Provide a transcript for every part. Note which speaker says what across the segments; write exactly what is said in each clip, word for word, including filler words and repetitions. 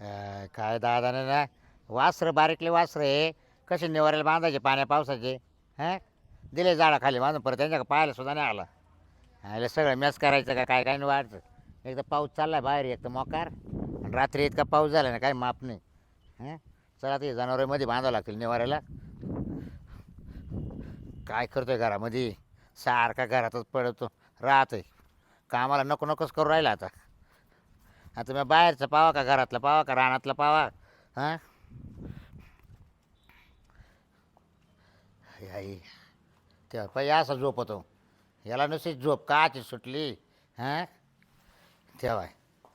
Speaker 1: अं, काय दादाने ना वासरं बारीकले वासरं आहे कसे निवारायला बांधायचे पाण्या पावसाचे हां दिले झाडाखाली बांधून परत त्यांच्या पाहायला सुद्धा नाही आला आयला सगळं मॅच करायचं का काय काय नाही वाढतं एकदा पाऊस चाललाय बाहेर एक तर मोकार आणि रात्री इतका पाऊस झाला ना काही माप नाही हां चला ते जनावरांमध्ये बांधावं लागतील निवारायला काय करतोय घरामध्ये सारखा घरातच पडतो राहतोय कामाला नको नकोच करू राहिला आता आता मी बाहेरचं पावा का घरातलं पावा का रानातलं पावा हां आई तेव्हा पाहिजे असा झोप होतो याला नुसती झोप काची सुटली हां तेव्हा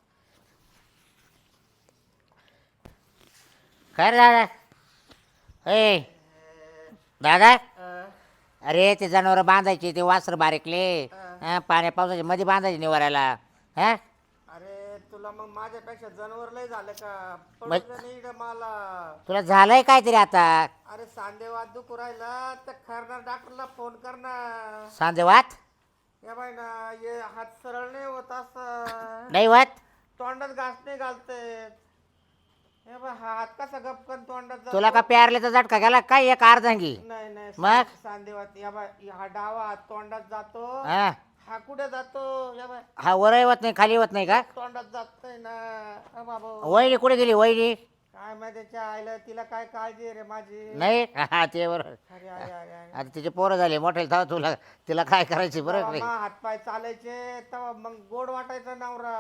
Speaker 1: काय रे दादा ए दादा अरे ते जनावरं बांधायचे ते वासर बारीकले हां पाण्या पावसाचे मध्ये बांधायचे निवारायला हां
Speaker 2: अरे तुला मग माझ्यापेक्षा जनावर लय झालं का
Speaker 1: मग-
Speaker 2: पडलं नाही इकडं मला.
Speaker 1: तुला झालंय काहीतरी आता
Speaker 2: अरे सांधेवात दुखू राहिला तर खरणार डॉक्टरला फोन कर ना.
Speaker 1: सांजेवात
Speaker 2: या बाई ना ये हात सरळ नाही होत असं
Speaker 1: नाही वात
Speaker 2: तोंडात घास नाही घालते. हे बघ हात कसा गपकन तोंडात जातो.
Speaker 1: तुला का प्यारल्याचा झटका गेला काय एक अर्धांगी
Speaker 2: नाही नाही
Speaker 1: मग?
Speaker 2: सांधेवात या बाई हा डावा हात तोंडात जातो.
Speaker 1: हा
Speaker 2: हा कुठे जातो या बाई
Speaker 1: हा वरही होत नाही खाली होत नाही का
Speaker 2: तोंडात जातोय ना. अ बाबा
Speaker 1: वहिनी कुठे गेली वहिनी
Speaker 2: काय माहिती त्याच्या आईला तिला काय काळजी आहे रे माझी.
Speaker 1: नाही हा ते बरोबर
Speaker 2: अरे अरे अरे अरे
Speaker 1: आता तिचे पोरं झाले मोठे थांब तुला तिला काय करायची बरं
Speaker 2: तेव्हा
Speaker 1: नाही
Speaker 2: मा हातपाय चालायचे तेव्हा मग गोड वाटायचा नवरा.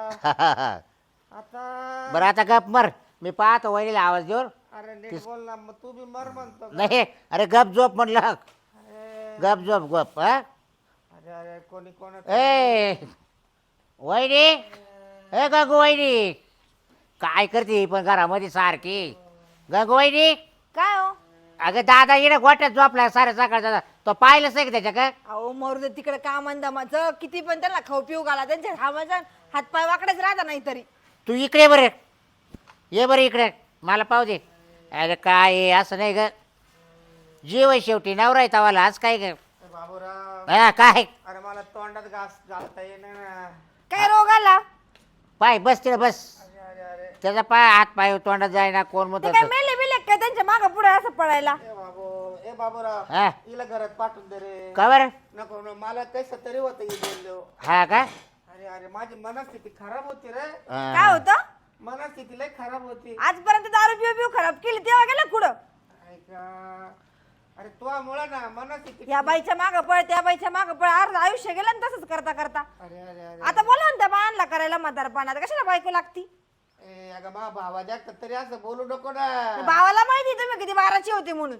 Speaker 2: आता
Speaker 1: बरं आता गप मर मी पाहतो वहिनीला आवाज देऊन
Speaker 2: अरे नीट बोल ना मग तू बी मर म्हणतो का?
Speaker 1: नाही अरे गप झोप म्हणलं
Speaker 2: अरे
Speaker 1: गप झोप गप हा
Speaker 2: अरे अरे कोणी कोण
Speaker 1: ए वहिनी ए गंगू वहिनी काय करते ही पण घरामध्ये सारखी गंगू वहिनी
Speaker 3: काय हो
Speaker 1: अगं दादा येणं गोट्यात झोपला साऱ्या सकाळचा तो पाहिलंच नाही का त्याच्या का
Speaker 3: अहो मरू दे तिकडे काम दमाचं किती पण त्यांना खाऊ पिऊ घाला त्यांच्या हाताचा हातपाय वाकडेच राहता नाही तरी.
Speaker 1: तू इकडे बरं ये बरं इकडे मला पाहू दे अरे काय आहे, असं नाही ग जीव आहे शेवटी नवरा आहे तवाला आज काय ग
Speaker 2: बाबूराव
Speaker 1: हा काय
Speaker 2: अरे मला तोंडात घास घालता येईना ना.
Speaker 3: काय रोग आला
Speaker 1: पाय बस तिला बस
Speaker 2: अरे अरे अरे
Speaker 1: त्याचा पाय हात पाय तोंडात जायना कोण मत
Speaker 3: ते काय मेले बिले काय त्यांच्या माग पुढे असं पडायला.
Speaker 2: ए बाबू ए बाबूराव
Speaker 1: हा
Speaker 2: हिला घरात पाठवून दे रे.
Speaker 1: का बरं
Speaker 2: नको नको, मला कसं तरी होतं हे बोललो.
Speaker 1: हा का
Speaker 2: अरे अरे माझी मनस्थिती खराब होती रे.
Speaker 1: हा.
Speaker 3: काय होतं
Speaker 2: मनस्थिती लय खराब होती.
Speaker 3: आजपर्यंत दारू पिऊ पिऊ खराब केली तेव्हा गेला कुठं.
Speaker 2: ऐका अरे तुझ्यामुळे ना मनस्थिती.
Speaker 3: या बाईच्या माग पळ त्या बाईच्या माग पळ अर्ध आयुष्य गेलं ना तसंच करता करता.
Speaker 2: अरे अरे अरे
Speaker 3: आता बोला ना त्या बाळांना करायला म्हातारपणात कशाला बायको लागती.
Speaker 2: ए अगं मा भावा जास्त तरी असं बोलू नको ना.
Speaker 3: भावाला माहिती तुम्ही किती बाराची होती म्हणून.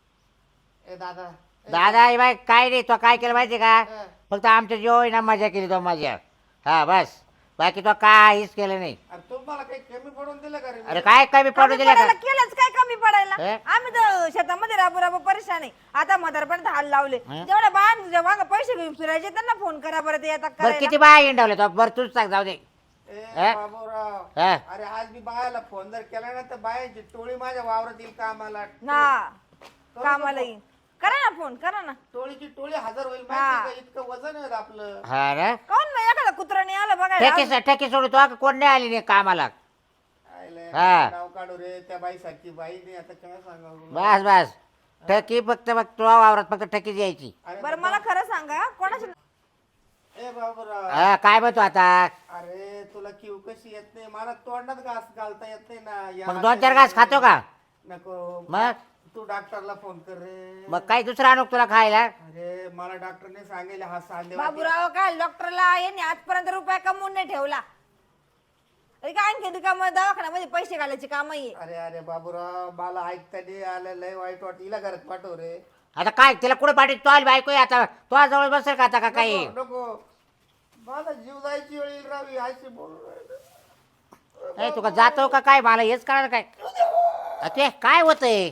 Speaker 2: ए दादा ए,
Speaker 1: दादा हे बाय काय नाही तो काय केलं माहिती का
Speaker 2: हा.
Speaker 1: फक्त आमच्या जेव्हा ना मजा केली तो मजा हा बस बाकी तो काहीच केलं नाही
Speaker 2: अरे तुम्हाला काही कमी पडून दिलं का रे मी?
Speaker 1: अरे काय कमी पडू
Speaker 3: कमी
Speaker 1: दिलं
Speaker 3: पडायला
Speaker 1: का
Speaker 3: केलंच काय कमी पडायला.
Speaker 1: हे?
Speaker 3: आम्ही तर शेतामध्ये राबू राबू परेशान आहे. आता म्हातारपणात हाल लावले
Speaker 1: हे?
Speaker 3: जेवढ्या बाळांना तुझ्या मागं पैसे घेऊन फिरायचे त्यांना फोन करा बरं ते येतात
Speaker 1: बरं
Speaker 3: करायला.
Speaker 1: किती बाय इंडवले तो बरं तूच सांग जाऊ दे
Speaker 2: ए
Speaker 1: हा?
Speaker 2: बाबूराव
Speaker 1: हा.
Speaker 2: अरे आज मी बायाला फोन जर केला ना तर बायाची टोळी माझ्या वावरात येईल कामाला.
Speaker 3: ना कामाला येईन करा ना फोन करा ना.
Speaker 2: टोळीची टोळी हजर होईल
Speaker 3: हा.
Speaker 2: माहिती का? इतकं वजन आहे आपलं.
Speaker 1: हा ना
Speaker 3: काऊन मग एखादा कुत्रा नाही आला बघायला.
Speaker 1: ठेकी ठेकी सोडू तो कोण नाही आली नाही कामाला
Speaker 2: आयले,
Speaker 1: हा.
Speaker 2: नाव काढू रे त्या बाई सारखी बाई नाही आता काय सांगावं.
Speaker 1: बस बस ठेकी फक्त मग तुला वावरात फक्त ठेकीच यायची
Speaker 2: अरे
Speaker 3: बरं मला खरं सांगा कोणाच्या
Speaker 2: ए बाबूराव
Speaker 1: हा काय म्हणतो आता
Speaker 2: अरे तुला किव कशी येत नाही मला तोंडात घास घालता येत नाही ना या
Speaker 1: मग दोन चार घास खातो का
Speaker 2: नको
Speaker 1: मग
Speaker 2: तू डॉक्टरला फोन कर रे.
Speaker 1: मग काही दुसरा आणू तुला खायला
Speaker 2: अरे मला डॉक्टरने सांगितलं हा सांधे
Speaker 3: बाबूराव काय डॉक्टरला यांनी आजपर्यंत रुपया कमवून नाही ठेवला. अरे काय आणखी काम दवाखान्यामध्ये पैसे घालायची काम आहे.
Speaker 2: अरे अरे बाबूराव मला ऐकता नाही आलं लय वाईट वाट हिला घरात पाठव रे.
Speaker 1: आता काय तिला कुठे पाठी तो आली बायको आहे आता तो जवळ बसेल का आता का काही
Speaker 2: नको नको. मला जीव जायची वेळ येईल रावी अशी बोलू राहिलं.
Speaker 1: ए तुका जातो का काय मला हेच कळणार काय अ, ते काय होतंय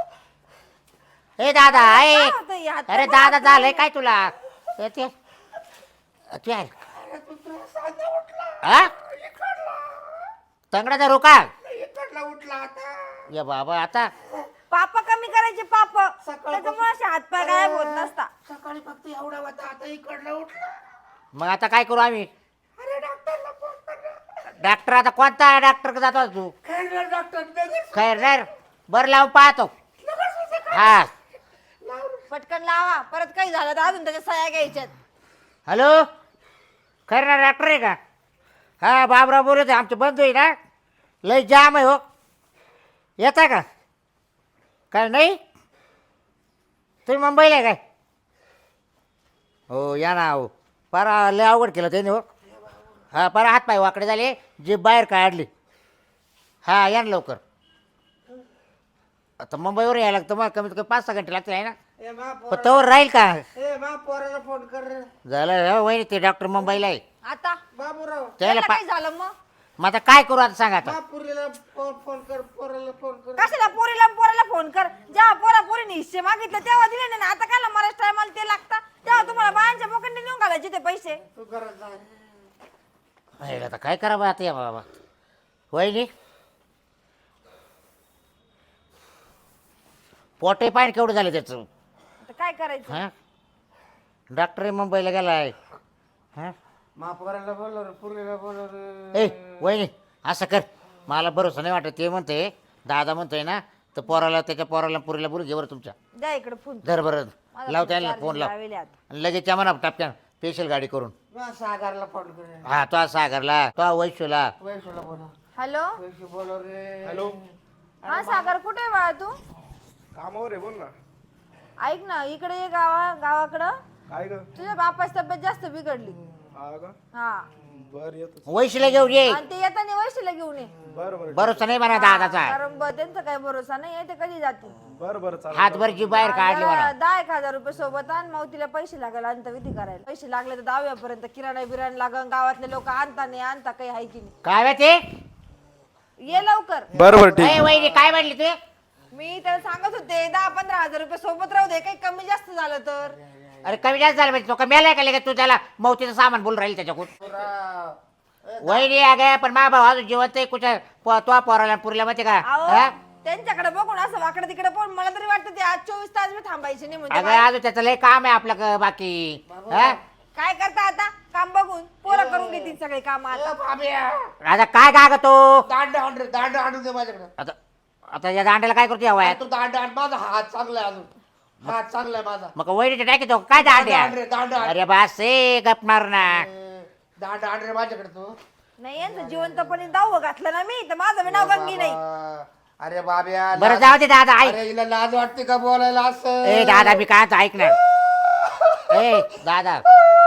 Speaker 1: ए दादा ए
Speaker 3: काय होतं हे हात-
Speaker 1: अरे दादा झालंय काय तुला ए, ते अ, ते आहे.
Speaker 2: अरे तू तुझा सांधा उठला
Speaker 1: हा
Speaker 2: इकडला
Speaker 1: तंगडाचा रोका
Speaker 2: इकडला उठला आता.
Speaker 1: ये बाबा आता
Speaker 3: पाप कमी करायचे पाप
Speaker 2: सकाळपासून-
Speaker 3: त्याच्यामुळे असे हातपाय गायब होत नसता.
Speaker 2: सकाळी फक्त एवढा होता आता इकडला उठला.
Speaker 1: मग आता काय करू आम्ही
Speaker 2: अरे डॉक्टरला फोन कर रे.
Speaker 1: डॉक्टर आता कोणता डॉक्टर जातो तू
Speaker 2: खैरनार डॉक्टर नगर
Speaker 1: खैर नाही बरं लावून पाहतो हा
Speaker 3: पटकन लावा परत काही झालं तर अजून त्याच्या सह्या घ्यायच्यात.
Speaker 1: हॅलो खैर ना डॉक्टर आहे का हा बाबराव बोलत आहे आमचे बंधू आहे ना लय जाम आहे हो येता का काय नाही तुम्ही मुंबईला आहे काय हो या ना हो पार लय अवघड केलं त्याने हो हा पार हात पाय वाकडे झाले जीभ बाहेर काढली हा या ना लवकर आता मुंबईवर यायला लागतं मग कमीत कमी पाच सहा घंटे लागतील आहे ना
Speaker 2: ए मा
Speaker 1: पण
Speaker 2: पोरा
Speaker 1: तोवर राहील का
Speaker 2: ए मा पोराला फोन कर रे.
Speaker 1: झालं हो वहिनी ते डॉक्टर मुंबईला आहे
Speaker 3: आता
Speaker 2: बाबूराव
Speaker 1: त्याला
Speaker 3: त्याला
Speaker 1: पा
Speaker 3: काय झालं मग
Speaker 1: मग आता काय करू आता सांगा आता
Speaker 2: मा पुरीला फोन फोन कर पोराला फोन कर
Speaker 3: कशाला पोरीला पोराला फोन कर जेव्हा पोरा पोरीने हिस्से मागितले तेव्हा दिले नाही ना आता काला मराठ टायमाला ते लागतं तेव्हा तुम्हाला बायांच्या पोकडे नेऊन घालायचे ते पैसे.
Speaker 2: तू घरात जा
Speaker 1: अरे आता काय करावं आता या बाबा वहिनी पोटे पाय केवढं झालं त्याचं
Speaker 3: आता काय करायचं.
Speaker 1: हां डॉक्टर मुंबईला गेलाय हां
Speaker 2: मा पोराला बोलव रे पुरीला बोलव रे.
Speaker 1: ए वहिनी असं कर मला भरोसा नाही वाटत ते म्हणते दादा म्हणतोय ना तर पोराला त्याच्या पोराला पुरीला बोलू घे बरं तुमच्या
Speaker 3: द्या इकडे फोन
Speaker 1: धर बरं
Speaker 3: माझा
Speaker 1: लाव
Speaker 3: फोन
Speaker 1: त्याला
Speaker 3: charging
Speaker 1: फोन लाव
Speaker 3: लावेले आता.
Speaker 1: आणि लगेच या म्हणा टपक्यान स्पेशल गाडी करून
Speaker 2: मा सागरला फोन कर रे.
Speaker 1: हा तो सागरला तो वैशूला
Speaker 2: वैशूला बोलव
Speaker 3: हॅलो
Speaker 2: वैशू बोलव रे.
Speaker 4: हॅलो
Speaker 3: हा सागर कुठे आहे बाळा तू.
Speaker 4: कामावर आहे बोल ना
Speaker 3: ऐक ना इकडे ये गावा गावाकडं
Speaker 4: काय ग
Speaker 3: तुझ्या बापाची तब्येत जास्त बिघडली.
Speaker 4: हा का
Speaker 3: हा
Speaker 4: बर येतो
Speaker 1: वैशूला घेऊन ये
Speaker 3: आणि ते येताना वैशीला घेऊन ये.
Speaker 4: बर बर
Speaker 1: भरोसा नाही म्हणा दादाचा
Speaker 3: कारण ब- त्यांचा काही भरोसा नाही आहे ते कधी जातील.
Speaker 4: बर बर चालेल
Speaker 1: हातभर जी बाहेर काढली म्हणा
Speaker 3: जरा दहा एक हजार रुपये सोबत आण मग तिला पैसे लागेल अंतविधी करायला. पैसे लागले तर दहाव्यापर्यंत किराणा बिराणा लागन गावातले लोक आणता नाही आणता काही आहे की नाही.
Speaker 1: काय माहिती ते
Speaker 3: ये लवकर.
Speaker 4: बर बर ठीक
Speaker 1: ए, वहिनी काय म्हणली तू
Speaker 3: मी त्याला सांगत होते दहा पंधरा हजार रुपये सोबत राहू दे काही कमी जास्त झालं तर.
Speaker 1: अरे कमी जास्त झालं म्हणजे तो का मेलाय का लगेच तू त्याला मौतीचं सामान बोलून राहील त्याच्याकडून
Speaker 2: पोरा.
Speaker 1: वहिनी अगे पण मा भाऊ अजून जिवंत आहे कुठं प- तो पोराला पुरीला माहिती का
Speaker 3: अहो
Speaker 1: हा?
Speaker 3: त्यांच्याकडे बघून असं वाकडं तिकडे पण मला तरी वाटतं ते आज चोवीस तास मी थांबायचे नाही म्हणजे
Speaker 1: अगं
Speaker 3: बाई,
Speaker 1: अजून त्याचं लय काम आहे आपलं क- बाकी हा?
Speaker 3: काय करता आता काम बघून पोरं करून घेतील सगळे काम आता.
Speaker 2: ए बाब्या
Speaker 1: आता काय का ग तो
Speaker 2: दांड आण रे दांड आणून दे माझ्याकडे.
Speaker 1: आता आता या दांड्याला काय करतो या वयात
Speaker 2: तू दांड आण माझा हात चांगला आहे अजून हात चांगला आहे माझा.
Speaker 1: मग वहिनीचे टाकी तो काय दांड्या
Speaker 2: दांड रे दांड आण.
Speaker 1: अरे बास ए गपणार ना
Speaker 2: ए, दांड आण रे माझ्याकडे तू.
Speaker 3: नाही यांचं जिवंतपणे दाव घातलं ना मी तर माझं बी नाव गंगी नाही.
Speaker 2: बाबा. अरे बाब्या
Speaker 1: बरं
Speaker 2: लाज-
Speaker 1: जाऊ दे दादा ऐक
Speaker 2: अरे हिला लाज वाटते का बोलायला असं.
Speaker 1: ए दादा मी काय ऐक ना ए दादा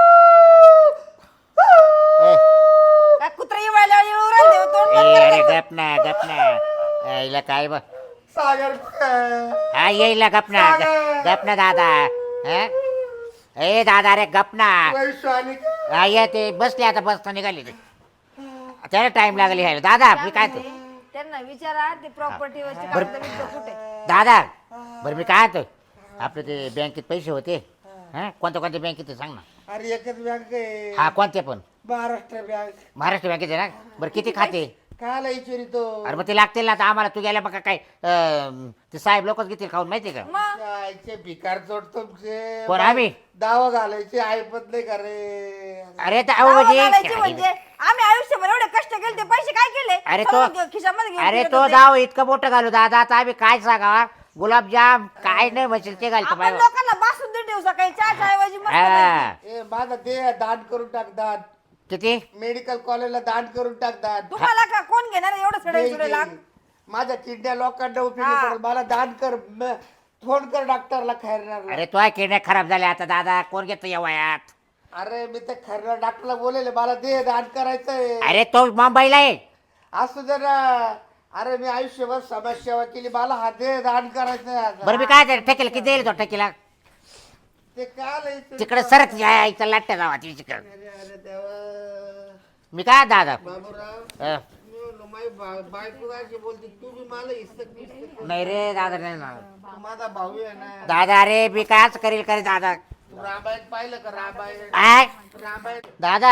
Speaker 1: ए
Speaker 3: काय कुत्रा येवायला येऊ राहिले तोंड
Speaker 1: ए,
Speaker 3: बंद कर
Speaker 1: अरे
Speaker 3: त्याचं.
Speaker 1: गप ना गप ना यायला काय बघ
Speaker 2: सागर कुठे?
Speaker 1: हा येईल ना गप ना
Speaker 2: सागर.
Speaker 1: गप ना दादा हा? ए दादा अरे गप ना
Speaker 2: वैशू आणि
Speaker 1: हा ये ते बसले आता बस निघाली ते त्याला टाइम लागली यायला दादा मी काय तो
Speaker 3: त्यांना विचारा ते प्रॉपर्टी वरची कागद कुठे.
Speaker 1: दादा बरं मी काय तो आपले ते बँकेत पैसे होते हा कोणत्या कोणत्या बँकेत ते सांग ना
Speaker 2: अरे एकच बँक आहे
Speaker 1: हा कोणते पण
Speaker 2: महाराष्ट्र बँक.
Speaker 1: महाराष्ट्र बँकेत आहे ना बरं किती खाते
Speaker 2: काला इचुरी तो
Speaker 1: अरे मग ते लागतील ना आता आम्हाला तू गेल्या बघा काय अं, ते साहेब लोकच घेतील खाऊन माहिती का
Speaker 3: मग
Speaker 2: जायचे भिकार चोट तुमचे
Speaker 1: कोण आम्ही?
Speaker 2: दावा घालायचे ऐपत नाही का रे.
Speaker 1: अरे तर
Speaker 3: दावा
Speaker 1: अहो
Speaker 3: घालायची
Speaker 1: म्हणजे
Speaker 3: म्हणजे आम्ही आयुष्यभर एवढे कष्ट केले ते पैसे काय केले.
Speaker 1: अरे तो
Speaker 3: सर्व खिशामध्ये घेऊन
Speaker 1: अरे
Speaker 3: फिरत
Speaker 1: तो
Speaker 3: होते.
Speaker 1: जाऊ इतकं मोठं घालू दादा आता आम्ही काय सांगा गुलाबजाम काय नाही म्हणशील ते घालतो
Speaker 3: आपण
Speaker 1: बाय
Speaker 3: लोकांना बासुंदी देऊ सकाळी चहाच्या ऐवजी मस्त पैकी.
Speaker 1: हा.
Speaker 2: ए माझा दे दान करून टाक दान.
Speaker 1: किती
Speaker 2: मेडिकल कॉलेजला दान करून टाक दान.
Speaker 3: तुम्हाला का कोण घेणार एवढं
Speaker 2: दे,
Speaker 3: सडे सुडे
Speaker 2: दे.
Speaker 3: लाग.
Speaker 2: माझ्या किडन्या लोकांना उपयोगी
Speaker 3: हा.
Speaker 2: पडेल. मला दान कर म- फोन कर डॉक्टरला खैरनारला.
Speaker 1: अरे तो किडण्या खराब झाल्या आता दादा कोण घेतो या वयात
Speaker 2: अरे मी तर खैरनार डॉक्टरला बोलेले मला दे दान करायचंय.
Speaker 1: अरे तो मुंबईला आहे
Speaker 2: असू दे ना. अरे मी आयुष्यभर समाजसेवा केली मला हा दे दान करायचंय आता.
Speaker 1: बरं मी काय ते ठेकेल किती देईल तो ठेकीला
Speaker 2: ते काल इथे-
Speaker 1: तिकडे सरक यायचं लाट्या जावा तिकडे
Speaker 2: अरे अरे देवा.
Speaker 1: मी काय दादा
Speaker 2: बाबूराव
Speaker 1: अं,
Speaker 2: मी म्हणलो, माझी बा- बायको अशी बोलते तू बी मला हिस्सक बिस्सक कर.
Speaker 1: नाही रे दादा नाही ना
Speaker 2: तू माझा भाऊ आहे ना.
Speaker 1: दादा अरे मी कायच करील करे दादा
Speaker 2: तू रामायण पाहिलं का रामायण
Speaker 1: काय
Speaker 2: रामायण
Speaker 1: दादा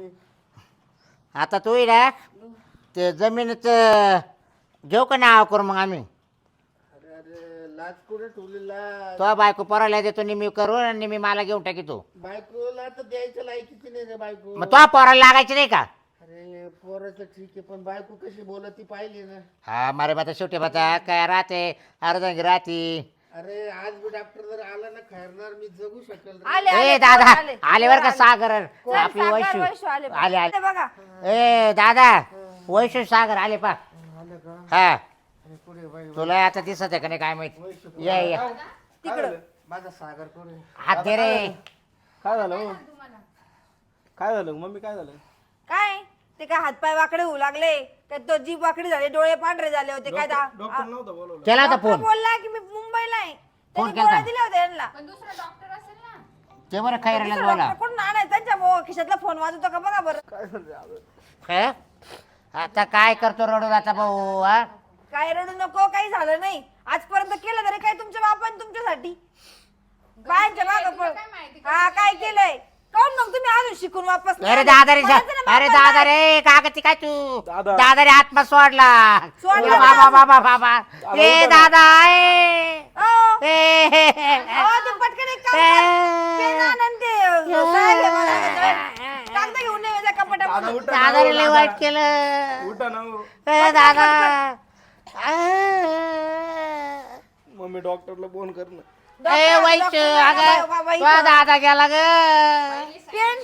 Speaker 1: आता तू ये ना ते जमिनीचं घेऊ का नाव करू मग आम्ही
Speaker 2: अरे अरे लाज कुठे ठेवली लाज.
Speaker 1: तो बायको पोराला देतो निम्मी करून आणि निम्मी मला घेऊन टाकी तू
Speaker 2: बायकोला तर द्यायचं लायकीची नाही रे बायको.
Speaker 1: मग तो पोराला लागायची नाही का
Speaker 2: अरे पोराचं ठीक आहे पण बायको कशी बोलत ती पाहिली ना.
Speaker 1: हा मारे बाता शेवटी बाता काय राहते अर्धा राहती.
Speaker 2: अरे आज बी डॉक्टर जर आला ना खैरणार मी जगू शकेल रे.
Speaker 3: आले
Speaker 1: ए
Speaker 3: आले,
Speaker 1: दादा
Speaker 3: पोरं आले.
Speaker 1: आले बर का
Speaker 3: पोरं
Speaker 1: सागर
Speaker 3: आले.
Speaker 1: आपली
Speaker 3: सागर,
Speaker 1: वैशू
Speaker 3: वैशू आले
Speaker 1: आले आले
Speaker 3: बघा.
Speaker 1: ए दादा वैशू सागर आले पा
Speaker 2: आलं का?
Speaker 1: हा
Speaker 2: अरे पुढे बाई
Speaker 1: तुला आता दिसत आहे का नाही काय माहित
Speaker 2: वैशू
Speaker 1: या या
Speaker 3: तिकडं
Speaker 2: माझा सागर कोण आहे?
Speaker 1: हात दे रे.
Speaker 4: काय झालं हो? काय झालं मम्मी काय झालं?
Speaker 3: काय ते काय हातपाय वाकडे होऊ लागले काय तो जीभ वाकडी झाले डोळे पांढरे झाले होते काय दा-
Speaker 4: डॉक्टर नव्हतं बोलवलं.
Speaker 1: केला होता
Speaker 3: डॉक्टर
Speaker 1: फोन
Speaker 3: बोलला की मी मुंबईला आहे
Speaker 1: फोन
Speaker 3: त्यांनी
Speaker 1: केलता?
Speaker 3: गोळ्या दिल्या होत्या यांना
Speaker 1: ते बरं खैराला
Speaker 3: दुसरा
Speaker 1: बोला
Speaker 3: डॉक्टर कोण आणाय त्यांच्या मो- खिशातला फोन वाजवतो का बघा बरं.
Speaker 4: काय झालं अरे?
Speaker 1: काय? आता काय करतो रडून आता भाऊ हा
Speaker 3: काय रडू नको काही झालं नाही आजपर्यंत केलं तरी काय तुमच्या बापाने तुमच्यासाठी बायांच्या मागं पण हा काय केलंय काऊन मग तुम्ही अजून शिकून वापस नाही
Speaker 1: अरे
Speaker 3: आले?
Speaker 1: दादा रे
Speaker 3: म्हणायचं ना
Speaker 1: अरे
Speaker 3: बापाला.
Speaker 1: दादा रे कागती काय तू
Speaker 4: दादा.
Speaker 1: दादा रे आत्मा सोडला
Speaker 3: सोडला
Speaker 1: ए
Speaker 3: ना.
Speaker 1: बाबा बाबा बाबा
Speaker 4: दादा
Speaker 1: ए
Speaker 4: उठा ना.
Speaker 1: दादा ए
Speaker 3: अहो,
Speaker 1: ए, हे, हे,
Speaker 3: अहो, ते पटकन एक काम कर. पेन आण आणि ते साहेब हे मला कागद घेऊन ये त्या
Speaker 4: दादा
Speaker 3: कपाटामध्ये.
Speaker 4: उठा ना,
Speaker 1: दादा रे लय
Speaker 4: दादा.
Speaker 1: वाईट केलं
Speaker 4: उठा ना हो.
Speaker 1: ए दादा
Speaker 4: मम्मी डॉक्टरला फोन कर ना.
Speaker 1: ए
Speaker 3: डॉक्टर-
Speaker 1: वाईट
Speaker 3: डॉक्टर
Speaker 1: अगं
Speaker 3: बाबा- बाबा
Speaker 1: तुझा
Speaker 3: इथं.
Speaker 1: दादा गेला ग
Speaker 3: पेन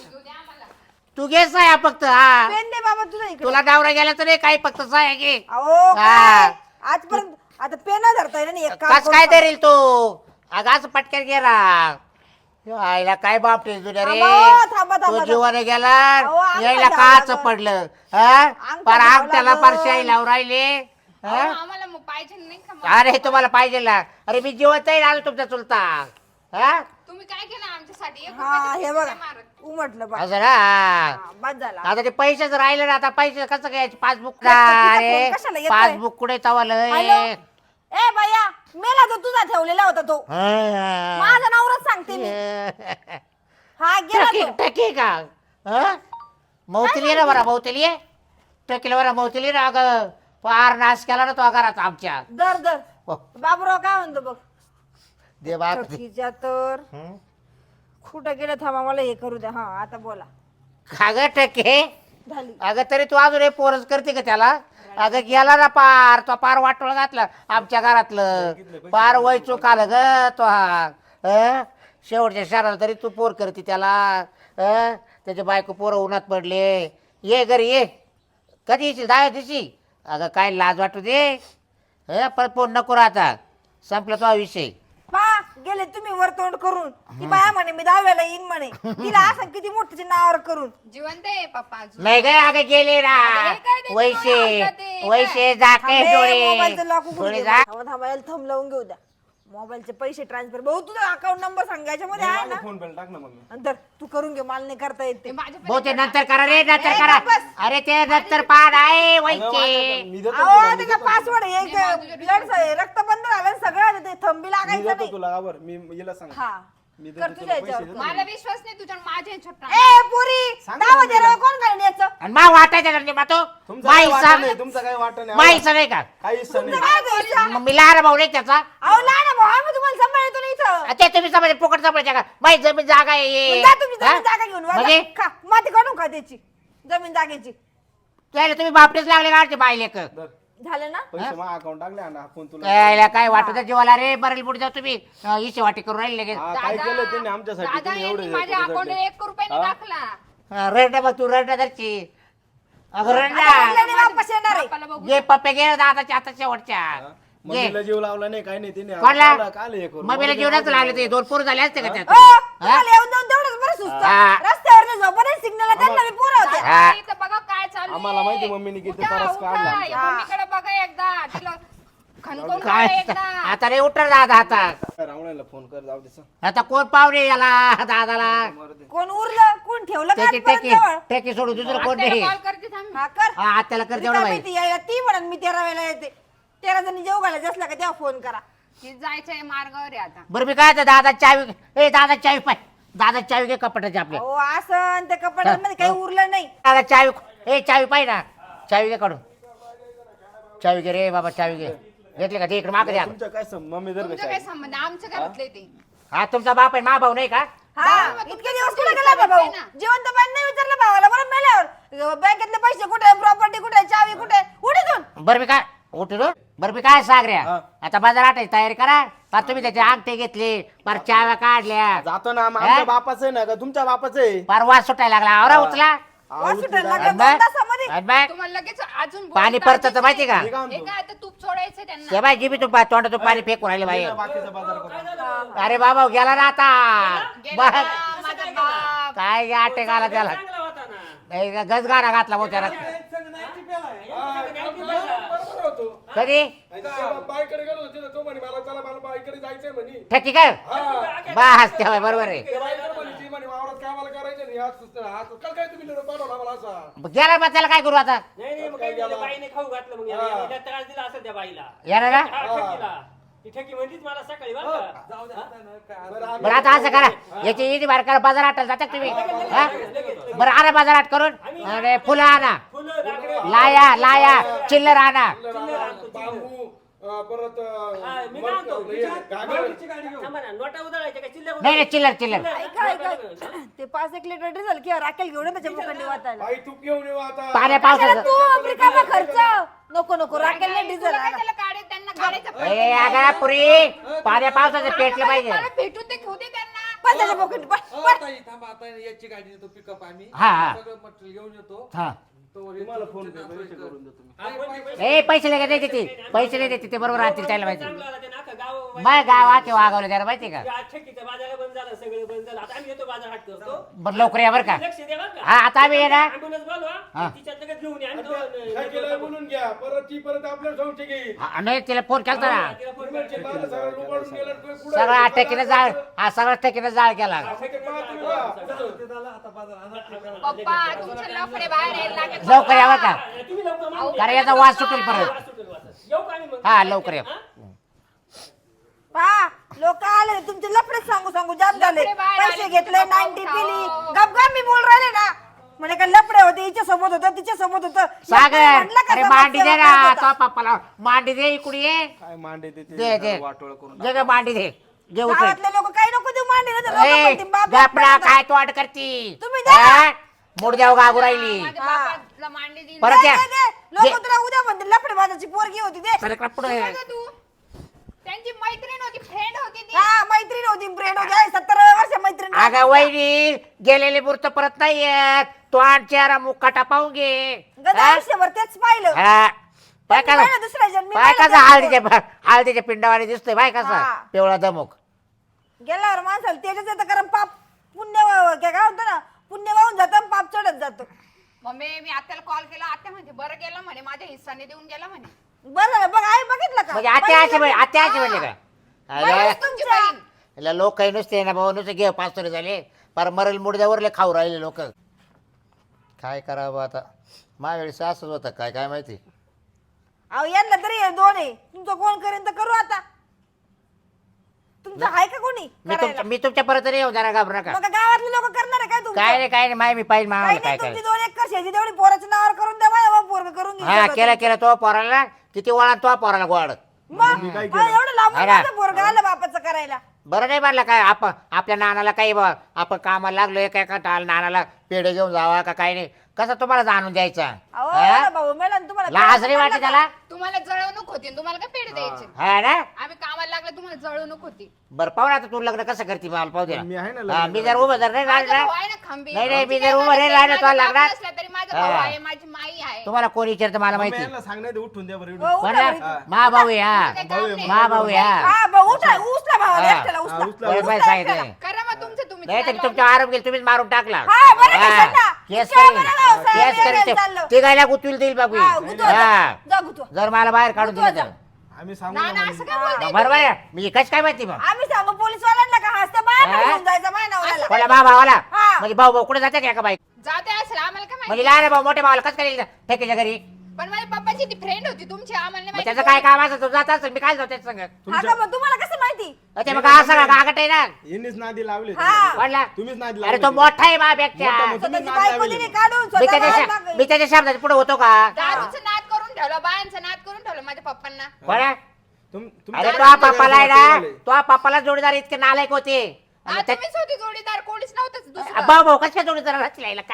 Speaker 1: तू घे साया फक्त हा
Speaker 3: पेन दे बाबा तुझा इकडे.
Speaker 1: तुला डावरा गेला तर नाही काही फक्त साया घे
Speaker 3: अहो
Speaker 1: हा.
Speaker 3: काय आजपर्यंत आता पेन धरता येईल नाही एक काम
Speaker 1: कस
Speaker 3: करू
Speaker 1: काय
Speaker 3: का?
Speaker 1: धरील तू अगाच पटक्यात गेला आईला काय बाप तुझ्या रे
Speaker 3: थांबा, थांबा,
Speaker 1: तो
Speaker 3: थांबा.
Speaker 1: जीवाने गेला
Speaker 3: अहो, अंगठा
Speaker 1: यायला
Speaker 3: घ्यावा
Speaker 1: काच
Speaker 3: लागल.
Speaker 1: पडलं हा
Speaker 3: अंगठा
Speaker 1: पर
Speaker 3: घ्यावा
Speaker 1: आग त्याला
Speaker 3: लागल.
Speaker 1: परशाई लावून राहिले हा?
Speaker 5: आम्हाला मग पाहिजे नाही का मग?
Speaker 1: अरे तुम्हाला पाहिजे ना अरे मी जिवंत आलो तुमचा चुलता हा
Speaker 5: तुम्ही काय केलं आमच्यासाठी एक
Speaker 3: हा
Speaker 5: रुपयाची
Speaker 3: हे
Speaker 5: पिशवी
Speaker 3: बघा
Speaker 5: मारत.
Speaker 3: उमटलं बघ
Speaker 1: असं ना
Speaker 3: हा, बाद झाला
Speaker 1: आता ते पैसेच राहिले ना आता पैसे कसं घ्यायचे पासबुक
Speaker 3: तिचा
Speaker 1: अरे
Speaker 3: फोन कशाला येतोय?
Speaker 1: पासबुक कुठे
Speaker 3: हॅलो
Speaker 1: तवालय
Speaker 3: ए भैया मेला तो तुझा ठेवलेला होता तो माझा नवराच सांगते मी हा गेला
Speaker 1: टकी
Speaker 3: तो
Speaker 1: टकी का हं? मौतली ना बरा मौतली आहे टकीला बरा मौतली ना अगं फार नाश केला ना तो घरात आमच्या
Speaker 3: दर दर
Speaker 1: हो,
Speaker 3: बाबूराव काय म्हणतो बघ
Speaker 1: दे बाप
Speaker 3: ठकीच्या तर
Speaker 1: हं?
Speaker 3: कुठं गेलं थांबा मला हे करू द्या हा आता बोला
Speaker 1: का ग टके
Speaker 3: झाली
Speaker 1: अगं तरी तू अजून हे पोरच करते का त्याला अगं गेला ना पार तो पार वाटोळ घातला आमच्या घरातलं पार वय चूक आलं ग तो हा हं? शेवटच्या शहराला तरी तू पोर करते त्याला हं? त्याचे बायको पोरं उन्हात पडले ये घरी ये कधी येशील दहा दिवशी अगं काय लाज वाटू दे हं? पण फोन नको राहता संपला तो हा विषय
Speaker 3: पा गेले तुम्ही वर तोंड करून ती बाया म्हणे मी दहाव्याला येईन म्हणे तिला असं किती मोठ्याच्या नावावर करून
Speaker 5: जिवंत आहे पप्पा अजून.
Speaker 1: नाही काय अगं गेले ना
Speaker 5: अरे काय ते
Speaker 1: वैशे
Speaker 5: डोळे हलतात ते,
Speaker 1: वैशे जाके
Speaker 3: मोबाईलचं लॉक
Speaker 1: डोळे
Speaker 3: उघडून
Speaker 1: डोळे
Speaker 3: घे.
Speaker 1: जा
Speaker 3: थांबा थांबा याला थंब लावून घेऊ द्या मोबाईलचे पैसे ट्रान्सफर भाऊ तुझा अकाउंट नंबर सांगायच्या मध्ये आहे ना
Speaker 4: फोन पे टाक ना मम्मी.
Speaker 3: नंतर तू करून घे मला नाही करता येते
Speaker 5: ते माझ्या
Speaker 1: भाऊ ते नंतर करा रे नंतर
Speaker 3: ए,
Speaker 1: करा
Speaker 3: बस.
Speaker 1: अरे ते नंतर पाड आहे
Speaker 4: अगं,
Speaker 1: वैचे
Speaker 4: माझं- मी देतो
Speaker 3: अहो
Speaker 4: तुला, मी
Speaker 3: त्याचा
Speaker 4: देतो
Speaker 3: पासवर्ड हे ब्लड रक्त बंद झालं सगळं ते थंबी
Speaker 4: मी
Speaker 3: लागायचं
Speaker 4: देतो
Speaker 3: नाही
Speaker 4: तुला आवर मी हिला सांग
Speaker 3: हा
Speaker 4: मी देतो
Speaker 3: कर
Speaker 4: तुला
Speaker 3: तुझ्या
Speaker 4: पैसे
Speaker 3: याच्यावर
Speaker 4: देतो.
Speaker 5: मला विश्वास नाही तुझ्या माझ्या छोटा
Speaker 3: ए पुरी
Speaker 4: सांग ना
Speaker 3: दावा
Speaker 4: मम्मीला.
Speaker 3: दे कोण घालून याचं
Speaker 1: आणि मा वाटायचं करणे मा तो
Speaker 4: तुमचं
Speaker 1: माई
Speaker 4: काय वाटत
Speaker 1: सांग
Speaker 4: नाही तुमचं काय वाटत नाही
Speaker 1: माई नाही का
Speaker 4: काही हिस्सा नाही
Speaker 3: तुमचं काय घ्यायचं?
Speaker 1: मग मी लहान भाऊ नाही त्याचा
Speaker 3: अहो लहान भाऊ आम्ही तुम्हाला सांभाळतो ना इथं
Speaker 1: ते तुम्ही समजा फुकट सांभाळायच्या का माई जमीन जागा आहे
Speaker 3: जा तुम्ही
Speaker 1: हा?
Speaker 3: जमीन जागा घेऊन
Speaker 1: म्हणजे
Speaker 3: वळा. खा माती काढून खा त्याची जमीन जागेची
Speaker 1: त्याला तुम्ही बापडेच लागले काढते बायले क
Speaker 4: दर,
Speaker 3: झालं ना
Speaker 4: पैसे मा अकाउंट टाकले आणि हा फोन तुला
Speaker 1: त्याला काय वाटत जीवाला रे बरेल पुढे जाऊ तुम्ही अं, इशे वाटी करून राहिले लगेच
Speaker 4: हा, काय केलं त्यांनी आमच्यासाठी
Speaker 5: दादा
Speaker 4: तुम्ही एवढे
Speaker 5: यांनी माझ्या अकाउंटवर एक रुपयाने
Speaker 4: हा?
Speaker 5: टाकला
Speaker 1: रडा बघ तू रडा धरची अगं
Speaker 3: आता
Speaker 1: रडा
Speaker 3: म्हणल्याने वापस येणार आहे
Speaker 5: बापाला बघू
Speaker 1: घे पप्पे घे दादाच्या आता शेवटच्या घे
Speaker 4: मम्मीला जीव लावला नाही काही नाही तिने
Speaker 1: कोणला
Speaker 4: काला- काल हे करू.
Speaker 1: मम्मीला जीवनाच लागले ते दोन पोरं झाले असते का
Speaker 3: ओ,
Speaker 1: त्यात
Speaker 3: तुम्हाला येऊन जाऊन तेवढंच बरं सुचतं
Speaker 1: हा.
Speaker 3: रस्त्यावर झोपणे सिग्नल त्यांना मी पोरं होते
Speaker 1: हा.
Speaker 5: दादा, इथं बघा काय चालू
Speaker 4: आम्हाला माहिती मम्मीने किती त्रास काढला आमचा.
Speaker 5: मम्मीकडे बघा एकदा तिला खणकून
Speaker 1: काय
Speaker 5: काढा एकदा
Speaker 1: आता रे उठर दादा आता
Speaker 4: रावणाला फोन कर जाऊ दे सांग.
Speaker 1: आता कोण पावणे याला दादाला
Speaker 4: मारू दे.
Speaker 3: कोण उरलं कोण ठेवलं का
Speaker 1: टेकी
Speaker 3: आजपर्यंत
Speaker 1: टेकी
Speaker 3: जवळ?
Speaker 1: टेकी सोडू दुसरं कोण नाही
Speaker 5: कॉल करते थांब
Speaker 3: हा कर
Speaker 1: हा आत्याला कर तेवढं
Speaker 3: रिकामी
Speaker 1: बाई
Speaker 3: ती यायला ती म्हणून मी तेरा वेळेला येते तेरा जणी जेव घालायचं असला का तेव्हा फोन करा
Speaker 5: की जायचंय मार्गावर आहे आता
Speaker 1: बरं मी काय दादा चावी ए दादा चावी पाय दादा चावी घे कपाटाची आपल्या
Speaker 3: हो असं त्या कपाटामध्ये काही उरलं नाही
Speaker 1: दादा चावी ए चावी पाय ना चावी घे काढून चावी घे रे बाबा चावी घे घेतले का ते इकडे मागे द्या
Speaker 4: तुमच्या काय सं- मम्मी जर
Speaker 5: तुमचं काय संबंध आमच्या घरातले ते
Speaker 1: हा तुमचा बाप आहे मा भाऊ नाही का
Speaker 3: हा इतके दिवस कुठे गेला बा भाऊ जिवंत बाई नाही विचारलं भावाला बरं मेल्यावर बँकेतले पैसे कुठे, प्रॉपर्टी कुठे, चावी कुठे, उडीतून.
Speaker 1: बरं मी काय उठलो बरं मी काय सागऱ्या आता बाजारात तयारी करा का तुम्ही त्याचे अंगठे घेतले पर चाव्या काढल्या
Speaker 4: जातो ना मग आमच्या बापाचं आहे ना का तुमच्या बापाचं आहे
Speaker 1: पर वास सुटायला लागला आवरा उचला
Speaker 3: वास सुटायला लागला
Speaker 1: आणि
Speaker 3: दोन
Speaker 1: बघ,
Speaker 3: तासामध्ये.
Speaker 1: आणि बघ,
Speaker 5: तुम्हाला लगेच अजून
Speaker 1: पाणी
Speaker 5: बोलता
Speaker 1: परतत माहिती का
Speaker 4: मी काय
Speaker 5: हे
Speaker 4: म्हणतो?
Speaker 5: काय आता तूप सोडायचं त्यांना
Speaker 1: ते बाय जिबी तू तोंडातून पाणी फेकून राहिले बाई
Speaker 4: बाकीचा बाजार करू.
Speaker 1: अरे बाबा गेला ना आता
Speaker 5: गेला
Speaker 1: बघ,
Speaker 5: ना, माझा बाप.
Speaker 1: काय आटे घाला त्याला गजगारा घातला मग त्याला कधी
Speaker 2: बाईकडे गेलो होतो तो म्हणे मला चला मला बाईकडे जायचंय म्हणे
Speaker 1: ठेकी काय बस तेव्हा बरोबर आहे
Speaker 2: ते बाईकडे म्हणे ती म्हणे वावरात कामाला करायचं नाही आज सुचतं आज काल काय तुम्ही पाठवला मला असा
Speaker 1: गेला मग त्याला काय करू आता
Speaker 6: नाही नाही मग काय झालं, बाईने खाऊ घातलं मग याला. याला त्रास दिला असेल त्या बाईला.
Speaker 1: येणार ना
Speaker 6: हा, ठकीला. ती ठकी म्हणलीच मला सकाळी बरं का.
Speaker 2: बरं आम्ही-
Speaker 1: बरं आता असं करा याची इडी बार करा बाजारात जाता का तुम्ही हा? बरं आणा बाजारात करून अरे फुलं आणा
Speaker 6: फुलं, लाकडं.
Speaker 1: लाया लाया चिल्लर आणा
Speaker 2: बांबू अं, परत अं,
Speaker 6: हा, मी काय म्हणतो,
Speaker 2: हे, घागर.
Speaker 6: थांबा ना, नोटा उधळायच्या का चिल्ल्या
Speaker 1: नाही नाही चिल्लर चिल्लर
Speaker 3: ऐका ऐका ते पाच एक लिटर डिझेल किंवा राखेल घेऊन ये त्याच्या मुखांनी वाचायला.
Speaker 2: बाई तूप घेऊन येऊ आता
Speaker 1: पाण्या
Speaker 3: कशाला
Speaker 1: पावसाचं
Speaker 3: तू रिकामा खर्च नको नको राखेल नाही डिझेल
Speaker 5: तुला काय त्याला काढे त्यांना काढायचं
Speaker 1: ए अगा पुरी पाण्या पावसाचं पेटलं पाहिजे
Speaker 5: मला भेटून ते घेऊ दे त्यांना
Speaker 3: पण त्याच्या पोकीट पण
Speaker 7: अहो,
Speaker 3: पण
Speaker 7: ताई, थांबा आता याची गाडी येतो पिकअप आम्ही
Speaker 1: हा, हा.
Speaker 7: सगळं मटेरियल घेऊन येतो
Speaker 1: हा
Speaker 7: तो
Speaker 4: तुम्हाला फोन पे पैसे करून देतो मी.
Speaker 6: हा, फोन पे पैसे-
Speaker 1: ए पैसे नाही देते ती पैसे नाही देते ते बरोबर राहतील त्याला माहिती
Speaker 6: चांगलं आलं, ते नाका गाव-
Speaker 1: मग गावात वागवलं त्याला माहिती का
Speaker 6: ते आज ठकीचं बाजारला बंद झालं, सगळं बंद झालं. आता आम्ही येतो बाजार हाट करतो.
Speaker 1: बरं लवकर या बरं का
Speaker 6: लक्ष द्या बरं का.
Speaker 1: हा आता आम्ही येणार
Speaker 6: ambulance बोलवा.
Speaker 1: हा.
Speaker 6: तिच्यात लगेच घेऊन या. आम्ही
Speaker 2: काय केलंय
Speaker 6: दोन-
Speaker 2: बोलून घ्या परत ती परत आपल्या संशय घेईल
Speaker 1: हा, नाही तिला फोन केलता ना
Speaker 6: तिला फोन
Speaker 2: पेमेंटचे
Speaker 6: करा.
Speaker 2: बारा सगळं लुबाडून गेलं तुम्ही पुढे
Speaker 1: सगळा ठेकीनं जाळ हा सगळा ठेकीनं जाळ केला
Speaker 2: ठेके पहा तुम्ही पहा.
Speaker 5: पप्पा तुमचे लफडे बाहेर यायला लागले.
Speaker 1: लवकर या बरं का
Speaker 6: तुम्ही लवकर मागून
Speaker 1: कारण
Speaker 6: घ्या.
Speaker 1: याचा वास सुटेल परत
Speaker 6: वास सुटेल, वास. येऊ का आम्ही मग?
Speaker 1: हा लवकर या
Speaker 6: हा?
Speaker 3: पहा लोक आले तुमचे लफडेच सांगू सांगू जाम झाले
Speaker 5: लफडे बाहेर
Speaker 3: पैसे
Speaker 5: आले,
Speaker 3: घेतले
Speaker 5: तुमचा
Speaker 3: नाईन्टी
Speaker 5: भाऊ
Speaker 3: पिली
Speaker 5: खाओ.
Speaker 3: गपगा मी बोल राहिले ना म्हणे का लफडे होते हिच्या सोबत होतं तिच्या सोबत होतं
Speaker 1: सागर
Speaker 3: म्हटलं का
Speaker 1: अरे
Speaker 3: समाज
Speaker 1: मांडी दे
Speaker 3: सेवा
Speaker 1: ना
Speaker 3: करत होता.
Speaker 1: तो पप्पाला मांडी दे इकडे ये
Speaker 4: काय मांडे ते ते
Speaker 1: दे दे
Speaker 4: वाटोळ करून
Speaker 1: दे ग मांडी दे घे उचल
Speaker 3: गावातले लोक काही नको देऊ मांडी नाही तर लोकं
Speaker 1: ए
Speaker 3: म्हणतील, बाप बाप
Speaker 1: गपडा
Speaker 3: बाप.
Speaker 1: काय तोड करती
Speaker 3: तुम्ही द्या.
Speaker 1: हा? मुडद्याव गागू राहिली
Speaker 5: माझ्या बापाला मांडी दिली.
Speaker 1: परत या
Speaker 3: दे, दे, दे. लोक तुला उद्या म्हणतील लफडे माझ्याची पोरगी होती दे
Speaker 1: सरकला पुढे
Speaker 5: बघा तू त्यांची मैत्रीण होती फ्रेंड होती ती
Speaker 3: हा मैत्रीण होती फ्रेंड होती आहे, सत्तर वर्ष मैत्रीण
Speaker 1: अगं वहिनी गेलेले मूर्त परत नाही येत तो आण चेहरा मुक्काटा पाहून घे
Speaker 3: गदा
Speaker 1: हा?
Speaker 3: आयुष्यभर तेच पाहिलं
Speaker 1: हा. पाय
Speaker 3: पण मी
Speaker 1: कसा
Speaker 3: पाहिलं दुसऱ्या जन्मी
Speaker 1: पाय
Speaker 3: पाहिलं
Speaker 1: कसा
Speaker 3: त्याचं.
Speaker 1: हळदीच्या हळदीच्या पिंडावाने दिसतोय बाय कसा
Speaker 3: हा.
Speaker 1: पिवळा दमुक
Speaker 3: गेल्यावर माणसाला त्याच्याच येतं कारण पाप पुण्य वा- काय काय होतं ना पुण्य वाहून जातं आणि पाप चढत जातो
Speaker 5: मम्मी मी आत्याला कॉल केला आत्या म्हणते बरं गेलं म्हणे माझ्या हिस्साने देऊन गेला म्हणे
Speaker 3: बरं झालं बघ आई बघितलं का
Speaker 1: म्हणजे आत्या अशी म्हणे- आत्या अशी म्हणले का
Speaker 3: बरं,
Speaker 1: अरे,
Speaker 5: तुमची बहीण
Speaker 1: याला लोक काही नुसते ना भाऊ नुसते घे पाच तरी झाले पर मरेल मुडद्यावरले खाऊ राहिले लोक काय करावं आता माझ्या वेळेस असंच होतं काय काय माहिती
Speaker 3: अहो यांना तरी हे दोन आहे तुमचं कोण करेन तर करू आता तुमचं आहे का कोणी
Speaker 1: मी
Speaker 3: करायला?
Speaker 1: तुमच्या मी तुमच्या परत नाही येऊ जरा घाबरू नका
Speaker 3: मग गावातले लोक करणार आहे काय तुमचं
Speaker 1: काय नाही काय नाही माय मी पाहिजे
Speaker 3: काही
Speaker 1: मामाला काय
Speaker 3: नाही
Speaker 1: काय
Speaker 3: तुमची दोन एकर शेती तेवढी पोराच्या नावावर करून द्या माझ्या पोरग करून घेईन
Speaker 1: हा
Speaker 3: सगळं
Speaker 1: केलं
Speaker 3: तुमचं.
Speaker 1: केलं तो पोराला किती वळा तो पोराला गोड
Speaker 3: मग
Speaker 4: काय
Speaker 3: मला एवढं लांबून
Speaker 1: आहे ना?
Speaker 3: माझं पोरग आलं बापाचं करायला
Speaker 1: बरं नाही म्हणलं काय आपण आपल्या नानाला काही बा आपण कामाला लागलो एका एका टाल नानाला पेढे घेऊन जावा का काही नाही कसं तुम्हाला जाणून द्यायचा
Speaker 3: अहो
Speaker 1: हा?
Speaker 3: एवढा भाऊ मेला आणि तुम्हाला
Speaker 1: लाज नाही वाटते त्याला
Speaker 5: तुम्हाला जळवणूक होती आणि तुम्हाला काय पेढे द्यायचे
Speaker 1: हा ना
Speaker 5: आम्ही कामाला लागले तुम्हाला जळवणूक होती
Speaker 1: बरं पाहू ना आता तू लग्न कसं करते मला पाहू दे
Speaker 4: मी आहे ना
Speaker 1: ना. हा,
Speaker 4: लग्न
Speaker 1: मी जर उभं जर नाही
Speaker 5: माझा
Speaker 1: राहिला
Speaker 5: भाऊ आहे ना खंबीर.
Speaker 1: नाही, नाही, मी
Speaker 5: आमची
Speaker 1: जर
Speaker 5: काय
Speaker 1: उभं नाही
Speaker 5: गरज
Speaker 1: राहिलं
Speaker 5: आहे,
Speaker 1: तुला
Speaker 5: माझा
Speaker 1: लागणार.
Speaker 5: बाप नसला तरी माझा भाऊ
Speaker 1: हा.
Speaker 5: आहे माझी माई आहे
Speaker 1: तुम्हाला कोण विचारतं मला
Speaker 4: मग
Speaker 1: माहिती
Speaker 4: यांना सांगण्यात उठून द्या बरं
Speaker 3: हो,
Speaker 4: एवढं.
Speaker 3: उठा
Speaker 1: बरं
Speaker 3: बरं.
Speaker 1: ना? मा भाऊ आहे हा
Speaker 5: काय काम नाही.
Speaker 1: मा भाऊ आहे हा
Speaker 3: हा भाऊ उठा उचला भावाला
Speaker 1: हा.
Speaker 3: एकट्याला उचला
Speaker 4: हा, उचला.
Speaker 1: बरं
Speaker 3: उचला
Speaker 1: बरं सांगितलं
Speaker 3: एकट्याला.
Speaker 5: करा मग तुमचं तुम्ही
Speaker 1: नाही तर
Speaker 5: चालवा.
Speaker 1: तुमचा आरोप गेला तुम्हीच मारून टाकला
Speaker 3: हा, बरं
Speaker 1: हा.
Speaker 3: कशाला?
Speaker 1: केस
Speaker 3: इतक्या
Speaker 1: करीन
Speaker 3: बरं भाऊ, साहेब
Speaker 1: केस
Speaker 3: यायला
Speaker 1: करीन
Speaker 3: चाललो.
Speaker 1: ते गायला गुतविल देईल बाबू
Speaker 3: हा, गुतवा जा.
Speaker 1: हा
Speaker 3: जा गुतवा.
Speaker 1: जर मला बाहेर काढून दिलं तर
Speaker 4: आम्ही सांगू
Speaker 5: ना
Speaker 4: ना
Speaker 5: ना
Speaker 4: म्हणे.
Speaker 5: असं काय बोलताय
Speaker 1: बरोबर आहे मी कच काय माहिती मग
Speaker 3: आम्ही सांगू पोलीस वाल्यांना का हसता बाहेर
Speaker 1: हा?
Speaker 3: घेऊन जायचं माझ्या नवऱ्याला
Speaker 1: कोणा बा भावाला
Speaker 3: हा.
Speaker 1: म्हणजे भाऊ भाऊ कुठे जाते का एका बाईक
Speaker 5: जाते असेल आम्हाला काय
Speaker 1: म्हणजे
Speaker 5: माहिती
Speaker 1: लहान भाऊ मोठ्या भावाला कसं करेल ठेकीच्या घरी
Speaker 5: पण माझ्या पप्पाची ती फ्रेंड होती तुमची आम्हाला नाही
Speaker 1: मग
Speaker 5: माहिती
Speaker 1: त्याचं काय काम असं तो जात असेल मी काय जाऊ त्याचं संग
Speaker 3: हा का मग तुम्हाला कसं माहिती
Speaker 1: ते मग असं का गागट आहे ना
Speaker 4: यांनीच नादी लावले
Speaker 3: हा.
Speaker 1: वाटला
Speaker 4: तुम्हीच नादी
Speaker 1: अरे
Speaker 4: लावले
Speaker 1: तो मोठा आहे माझ्यापेक्षा
Speaker 4: मोठा मोठा.
Speaker 3: स्वतःची
Speaker 4: नाद
Speaker 3: बायको
Speaker 4: लावली.
Speaker 3: दिली काढून
Speaker 1: मी
Speaker 3: स्वतः
Speaker 1: त्याच्या
Speaker 3: बाहेर
Speaker 1: शा-
Speaker 3: टाकली.
Speaker 1: मी त्याच्या शब्दाच्या पुढे होतो का
Speaker 5: दारूचं नाद करून ठेवलं बायांचं नाद करून ठेवलं माझ्या पप्पांना
Speaker 1: कोणा
Speaker 4: तुम-
Speaker 1: अरे
Speaker 4: तुमच्या
Speaker 1: तो पप्पाला आहे ना
Speaker 4: झाले.
Speaker 1: तो पप्पाला जोडीदार इतके नालायक होते आणि
Speaker 5: हा,
Speaker 1: त्या-
Speaker 5: तुम्हीच होती जोडीदार कोणीच नव्हतं दुसरं.
Speaker 1: भाऊ भाऊ कशा जोडीदार राहतील काय लोक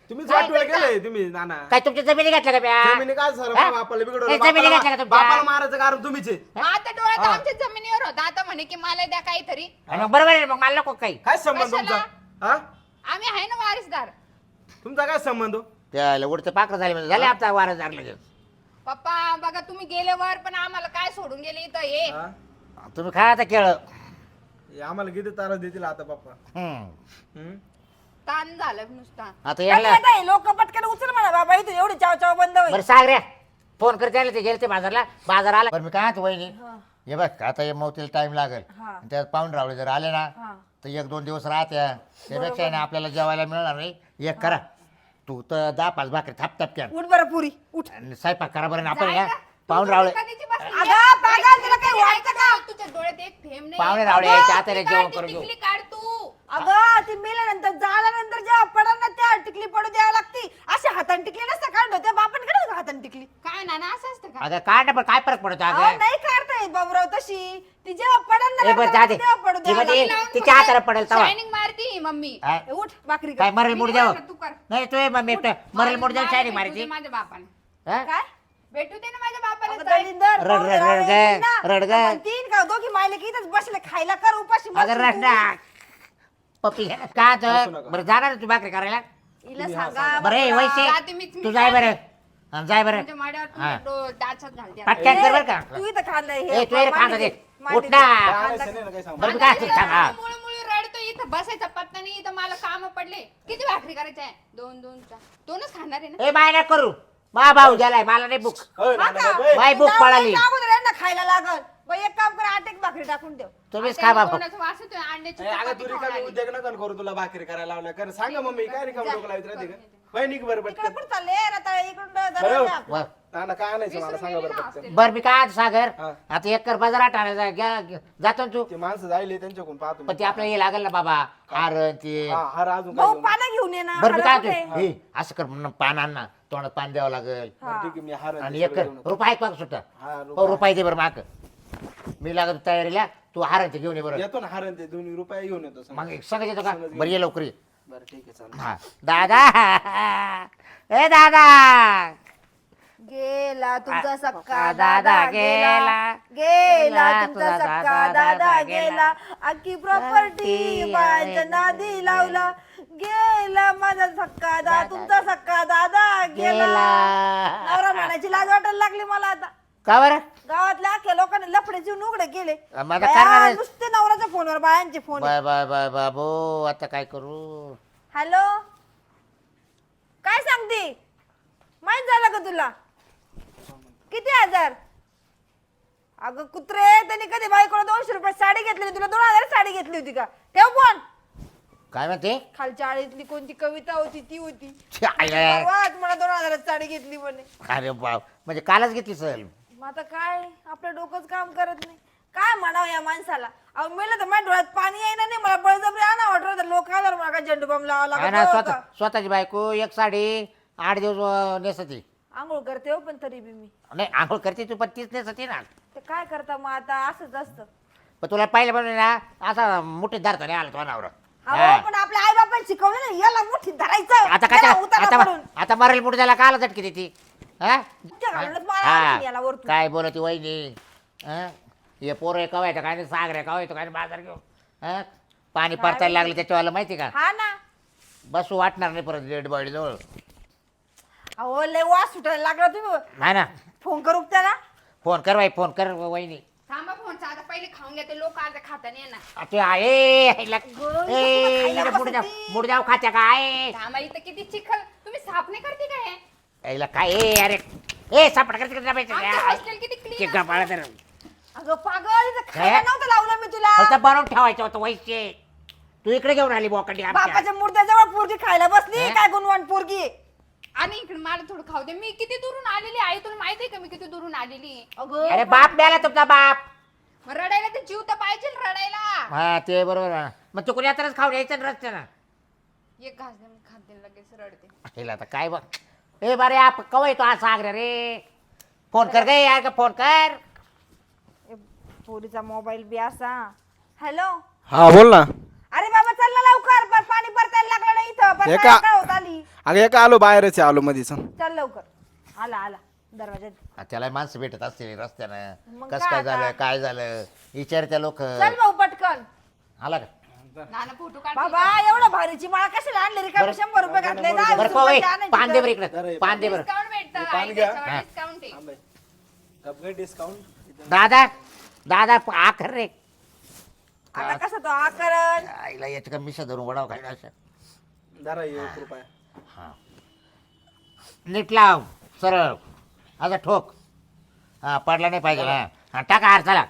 Speaker 4: तुम्हीच वाटोळ केलंय तुम्ही नाना.
Speaker 1: काय तुमच्या जमिनी घातल्या का म्या?
Speaker 4: जमिनी काय सर
Speaker 1: हा?
Speaker 4: बापाला
Speaker 1: ए,
Speaker 4: बिघडवलं,
Speaker 1: जमिनी
Speaker 4: बापाला
Speaker 1: घातल्या का तुमच्या?
Speaker 4: बापाला मारायचं कारण तुम्हीच आहे.
Speaker 5: मग आता डोळ्यात
Speaker 4: हा.
Speaker 5: आमच्या जमिनीवर होता आता म्हणे की मला द्या काहीतरी.
Speaker 1: आणि मग बरोबर आहे, मग मला नको काही.
Speaker 4: काय संबंध तुमचा? हा
Speaker 5: आम्ही आहे ना वारसदार.
Speaker 4: तुमचा काय संबंध हो?
Speaker 1: त्याला उडते पाखरं झाले म्हणजे झाले आता वारस झालं लगेच.
Speaker 5: पप्पा बघा तुम्ही गेल्यावर पण आम्हाला काय सोडून गेले इथं हे.
Speaker 4: हा?
Speaker 1: तुम्ही खा आता केळ.
Speaker 4: हे आम्हाला किती तारा देतील आता पप्पा.
Speaker 1: हम्म.
Speaker 4: हम्म?
Speaker 5: ताण झालं नुसता.
Speaker 1: आता यायला
Speaker 3: लोक पटकन उचल म्हणा बाबा इथून एवढी चाव चाव बंद होईल.
Speaker 1: बरं सांग रे, फोन करते आले ते गेले ते बाजारला, बाजार आला. बरं मी काय म्हणतो वहिनी, हे बघ आता हे मौतीला टाइम लागेल.
Speaker 3: हा.
Speaker 1: आणि त्यात पाहून रावळे जर आले ना
Speaker 3: हा.
Speaker 1: तर एक दोन दिवस राहत्या, त्यापेक्षा आहे ना आपल्याला जेवायला मिळणार नाही. एक करा तू तर दहा पाच भाकरी थाप थाप क्या
Speaker 3: उठ बरं पुरी उठ.
Speaker 1: आणि स्वयंपाक करा बरं. आणि आपण
Speaker 5: जाय
Speaker 1: या
Speaker 5: का?
Speaker 1: पाहून
Speaker 5: तू
Speaker 1: रावळे
Speaker 5: कधीची बसली आहे?
Speaker 3: अगं, पागल, तुला काही
Speaker 5: कधी
Speaker 3: वाटतं
Speaker 5: ऐकत नाही? तुझ्या डोळ्यात एक थेंब नाही.
Speaker 1: पाहुणे रावळे
Speaker 5: अगं,
Speaker 1: यायच्या आता रे
Speaker 5: ती
Speaker 1: जेवण
Speaker 5: काढ, ती
Speaker 1: करून घेऊ.
Speaker 5: टिकली काढ तू.
Speaker 3: अगं ती मेल्यानंतर झाल्यानंतर जेव्हा पडल ना त्या टिकली पडू द्यावी लागती. अशी हाताने टिकली नसतं काढ त्या बापान कडे हाताने टिकली.
Speaker 5: काय नाना असं असतं का?
Speaker 1: अगं काय ना पण काय फरक पडतो
Speaker 3: अहो,
Speaker 1: अगं.
Speaker 3: नाही काढता येत बाबूराव तशी. ती जेव्हा पडल ना
Speaker 1: ए, बरं, जा दे.
Speaker 3: तेव्हा पडू
Speaker 1: ती
Speaker 3: द्यावी
Speaker 1: मध्ये-
Speaker 3: लागती.
Speaker 1: तिच्या हाताला पडेल तवा.
Speaker 5: शायनिंग मारती ही मम्मी.
Speaker 1: हा?
Speaker 3: ए, उठ भाकरी कर.
Speaker 1: काय मरेल
Speaker 5: मी
Speaker 1: मुड
Speaker 5: नाही
Speaker 1: द्यावं
Speaker 5: करत, तू कर.
Speaker 1: नाही तू मम्मी मरेल मुड द्यावं शायरी मारी ती.
Speaker 5: माझ्या बापाने
Speaker 1: हा?
Speaker 3: काय
Speaker 5: भेटू दे ना माझ्या
Speaker 3: अगं,
Speaker 5: बापाला जाय.
Speaker 3: दलिंदर,
Speaker 1: रड, रड,
Speaker 3: बाबूराव
Speaker 1: रड,
Speaker 3: येतील ना.
Speaker 1: रड, रड.
Speaker 3: आपण तीन का दोघी मायले की इथंच बसले खायला कर उपाशी
Speaker 1: अगं
Speaker 3: मरशील
Speaker 1: रड
Speaker 3: तू.
Speaker 1: ना पप्पी का
Speaker 4: हसू
Speaker 1: तर
Speaker 4: नका.
Speaker 1: बरं जाणार आहे तू भाकरी करायला.
Speaker 3: हिला सांगा
Speaker 1: बरं ए,
Speaker 3: बाबूराव.
Speaker 1: वैसे
Speaker 5: जाते मीच, मी
Speaker 1: तू जाय बरं
Speaker 5: जाते.
Speaker 1: हा, जाय बरं
Speaker 5: तुमच्या माड्यावर
Speaker 1: हा.
Speaker 5: तुमच्या डो- डाचात घालते.
Speaker 1: पटकन कर बरं का.
Speaker 3: तू इथं खाल्लंय
Speaker 1: ए, तू ये रे, खांदा दे.
Speaker 3: मांडी
Speaker 1: उठ
Speaker 3: दे.
Speaker 1: ना.
Speaker 4: काय
Speaker 3: खांदा
Speaker 4: आणायचं नाही ना, काय सांगू?
Speaker 1: बरं मी काय असं सांग हा.
Speaker 5: मुळे मुळे रडतो इथं बसायचा पत्ता नाही इथं मला काम पडले. किती भाकरी करायच्या आहे? दोन दोन चार दोनच खाणार आहे ना.
Speaker 1: ए बाय ना करू मा भाऊ गेलाय मला नाही बुक.
Speaker 4: होय,
Speaker 3: हा
Speaker 4: नाना,
Speaker 3: का?
Speaker 4: बाई.
Speaker 1: बाई बुक
Speaker 3: जाऊ
Speaker 1: पळाली.
Speaker 3: दे, अगोदर यांना खायला लागल. बाई एक काम कर आठ एक भाकरी टाकून ठेव.
Speaker 1: तुम्हीच
Speaker 5: आता
Speaker 1: खा
Speaker 5: या
Speaker 1: बाबा.
Speaker 5: दोनाचा वास येतोय, अंड्याची
Speaker 4: ए, अगं
Speaker 5: चपाती
Speaker 4: तू
Speaker 5: खाऊन
Speaker 4: रिकामी
Speaker 5: आली.
Speaker 4: उद्योग नका करू, तुला भाकरी करायला लावल्या कर. सांगा मम्मी काय रिकामी डोकं लावत राहते का?
Speaker 5: करून
Speaker 4: होय, निघ बरं
Speaker 3: तिकडे
Speaker 4: पटकन.
Speaker 3: कुठं चालले रताळे इकडून
Speaker 4: बरं.
Speaker 3: दरवाजा.
Speaker 1: बर
Speaker 4: नाना काय आणायचं मला
Speaker 5: विसरून
Speaker 4: सांगा
Speaker 5: गेली
Speaker 4: बरं
Speaker 5: ना
Speaker 4: पटकन.
Speaker 5: हॉस्टेल.
Speaker 1: बर मी काय आज सागर
Speaker 4: हा.
Speaker 1: आता एक कर बाजार आणायचा घ्या जातो ना तू.
Speaker 4: ते माणसं जायले त्यांच्याकडून पाहतो मी.
Speaker 1: पण ते आपल्याला हे लागेल ना बाबा हार ते.
Speaker 4: हा हार अजून काय
Speaker 3: भाऊ
Speaker 4: घेऊन?
Speaker 3: पानं घेऊन ये ना.
Speaker 1: बरं मी काय
Speaker 3: हळद कुठे?
Speaker 1: म्हणतो, हे असं कर म्हणून पान आण ना तोंडात पान द्यावं लागेल.
Speaker 4: बरं, ठीक आहे मी हार
Speaker 1: आणि
Speaker 4: ते
Speaker 1: एक
Speaker 4: सगळं
Speaker 1: कर
Speaker 4: घेऊन येतो.
Speaker 1: रुपये पाक सुद्धा
Speaker 4: हा,
Speaker 1: हो
Speaker 4: रुपये.
Speaker 1: रुपये दे बरं माक. मी लागत तयारीला तू हार ते घेऊन ये बरं.
Speaker 4: येतो ना हार ते दोन्ही रुपये घेऊन येतो सांग.
Speaker 1: मग सांगत येतो का
Speaker 4: सांगत येतो.
Speaker 1: बरं ये लवकर ये.
Speaker 4: बरं ठीक आहे चालेल.
Speaker 1: हा दादा ए दादा
Speaker 3: गेला तुमचा
Speaker 1: आ-
Speaker 3: सक्का
Speaker 1: आ-
Speaker 3: दादा
Speaker 1: दादा
Speaker 3: गेला
Speaker 1: गेला.
Speaker 3: गेला
Speaker 1: गेला
Speaker 3: तुमचा
Speaker 1: तुझा
Speaker 3: सक्का
Speaker 1: दादा
Speaker 3: दादा
Speaker 1: गेला.
Speaker 3: गेला अख्खी प्रॉपर्टी
Speaker 1: प्रॉपर्टी
Speaker 3: बायांच्या
Speaker 1: आहे.
Speaker 3: नादी लावला गेला माझा सक्का दादा तुमचा सक्का दादा गेला
Speaker 1: गेला.
Speaker 3: नवरा म्हणायची लाज वाटायला लागली मला आता
Speaker 1: का बरं
Speaker 3: गावातल्या अख्ख्या लोकांनी लफडे जीवन उघडे केले
Speaker 1: मग आता
Speaker 3: बाया,
Speaker 1: करणार आहे.
Speaker 3: नुसते नवऱ्याच्या फोनवर बायांचे फोन
Speaker 1: बाय बाय बाय बाबू आता काय करू.
Speaker 3: हॅलो काय सांगते माहित झालं का तुला किती हजार अगं कुत्रे त्यांनी कधी बायकोला दोनशे रुपये साडी घेतली तुला दोन हजार साडी घेतली होती का ठेव फोन
Speaker 1: काय म्हणते
Speaker 3: खालच्या आळीतली कोणती कविता होती ती होती
Speaker 1: छी, आय, आय, आय.
Speaker 3: परवा मला दोन हजारात साडी घेतली म्हणे
Speaker 1: अरे बाप म्हणजे कालच घेतली सहल.
Speaker 3: मग आता काय आपलं डोकंच काम करत नाही काय म्हणावं या माणसाला अहो मेलं तर माझ्या डोळ्यात पाणी येईना नाही मला बळजबरी आणा वाटत लोक आल्यावर मला काय झेंडू बम लावा
Speaker 1: काय ना
Speaker 3: लागत
Speaker 1: स्वतः स्वतःची बायको एक साडी आठ दिवस अं, नेसती.
Speaker 3: आंघोळ करते हो पण तरी बी मी
Speaker 1: नाही आंघोळ करते तू पण तीच नेसती ना.
Speaker 3: ते काय करता मग आता असंच असतं
Speaker 1: पण तुला पाहिलं पण ना असा मुठीत धरता नाही आला तो अनावर.
Speaker 3: अहो पण आपल्या आई बापाने शिकवलं ना याला मुठीत धरायचं
Speaker 1: आता काय
Speaker 3: याला उतारा
Speaker 1: आता
Speaker 3: पडून.
Speaker 1: आता मरेल मुठ त्याला काला झटकी देती हा?
Speaker 3: त्या घालूनच मला
Speaker 1: हा.
Speaker 3: आणखीन याला वरतून.
Speaker 1: काय बोलती वहिनी हा? हे पोरं कवा येतं काय नाही सागर कवा येतो काय नाही बाजार घेऊन हा? पाणी परतायला लागलं त्याच्यावाला माहिती का
Speaker 3: हा ना
Speaker 1: बसू वाटणार नाही परत डेड बॉडी जवळ.
Speaker 3: अहो लय वास सुटायला लागला तुम्ही
Speaker 1: नाही ना
Speaker 3: फोन करू का त्याला
Speaker 1: फोन कर बाई फोन कर वहिनी.
Speaker 5: थांबा फोनचा आता पहिले खाऊन घेते लोक आता खाता नाही येणार.
Speaker 1: ते आहे हिला-
Speaker 3: गं,
Speaker 1: ए,
Speaker 3: खायला
Speaker 1: हिला मुड जाऊ
Speaker 3: बसती.
Speaker 1: मुड जाऊ खात्या काय
Speaker 5: थांबा इथं किती चिखल तुम्ही साफ नाही करते काय हे?
Speaker 1: हिला काय ए अरे ए सापड करते
Speaker 5: आमचं हॉस्टेल किती क्लीन
Speaker 1: तर
Speaker 3: अगं पागल इथं खायला
Speaker 1: काय?
Speaker 3: नव्हतं लावलं मी तुला
Speaker 1: फक्त बनवून ठेवायचं होतं वैसे तू इकडे घेऊन आली बोकडी आमच्या.
Speaker 3: बापाच्या मूर्त्याजवळ पोरगी खायला बसली
Speaker 1: हे?
Speaker 3: काय गुणवान पोरगी आहे.
Speaker 5: आणि इकडे मला थोडं खाऊ दे मी किती दुरून आलेली आहे तुला माहिती आहे का मी किती दुरून आलेली
Speaker 3: अगं
Speaker 1: अरे बाप मिळाला तुमचा बाप.
Speaker 5: मग रडायला तर जीव तर पाहिजे रडायला.
Speaker 1: हा ते बरोबर आहे. मग तू कोणी आताच खाऊन यायचं ना रस्त्यानं.
Speaker 5: एक घास दे मी खाते लगेच रडते.
Speaker 1: हिला आता काय बघ ए बरे आप कवा येतो हा सागर रे फोन कर गे यार का फोन कर.
Speaker 3: ए, पोरीचा मोबाईल बी असा हॅलो
Speaker 4: हा बोल ना.
Speaker 3: अरे बाबा चल ना लवकर पण पाणी परतायला लागला ना इथं
Speaker 4: हे
Speaker 3: परतायला
Speaker 4: का-
Speaker 3: काय होत आली
Speaker 4: अगं एका आलो बाहेरच आहे, आलो मध्येच.
Speaker 3: चल लवकर आला आला दरवाजात
Speaker 1: हा, त्याला माणसं भेटत असतील रस्त्यानं
Speaker 3: मग
Speaker 1: कसं
Speaker 3: काय
Speaker 1: काय
Speaker 3: आता?
Speaker 1: झालं काय झालं विचारत्या लोक
Speaker 3: चल भाऊ पटकन
Speaker 1: आला का
Speaker 5: नाना फोटो काढ
Speaker 3: बाबा एवढं भारीची माळा कशाला आणली रिकामी शंभर रुपये घातले दहा
Speaker 1: बरं
Speaker 3: वीस
Speaker 1: पाहू
Speaker 3: रुपयाची आणायची
Speaker 1: पान दे
Speaker 3: तर.
Speaker 1: बरं इकडे पान दे बरं
Speaker 5: डिस्काउंट भेटतं
Speaker 4: पान
Speaker 5: आई
Speaker 4: घ्या.
Speaker 5: त्याच्यावर
Speaker 1: हा.
Speaker 5: डिस्काउंट आहे
Speaker 4: थांब बाई. कपडे डिस्काउंट.
Speaker 1: दादा दादा प- आखर रे
Speaker 3: आता कसं तो आकरण
Speaker 1: आईला याच्या का मिशा धरून वडाव खायला असं
Speaker 4: जरा एक रुपया.
Speaker 1: हा नीट लाव सरळ आता ठोक हा पडला नाही पाहिजे ना हा टाका हार चला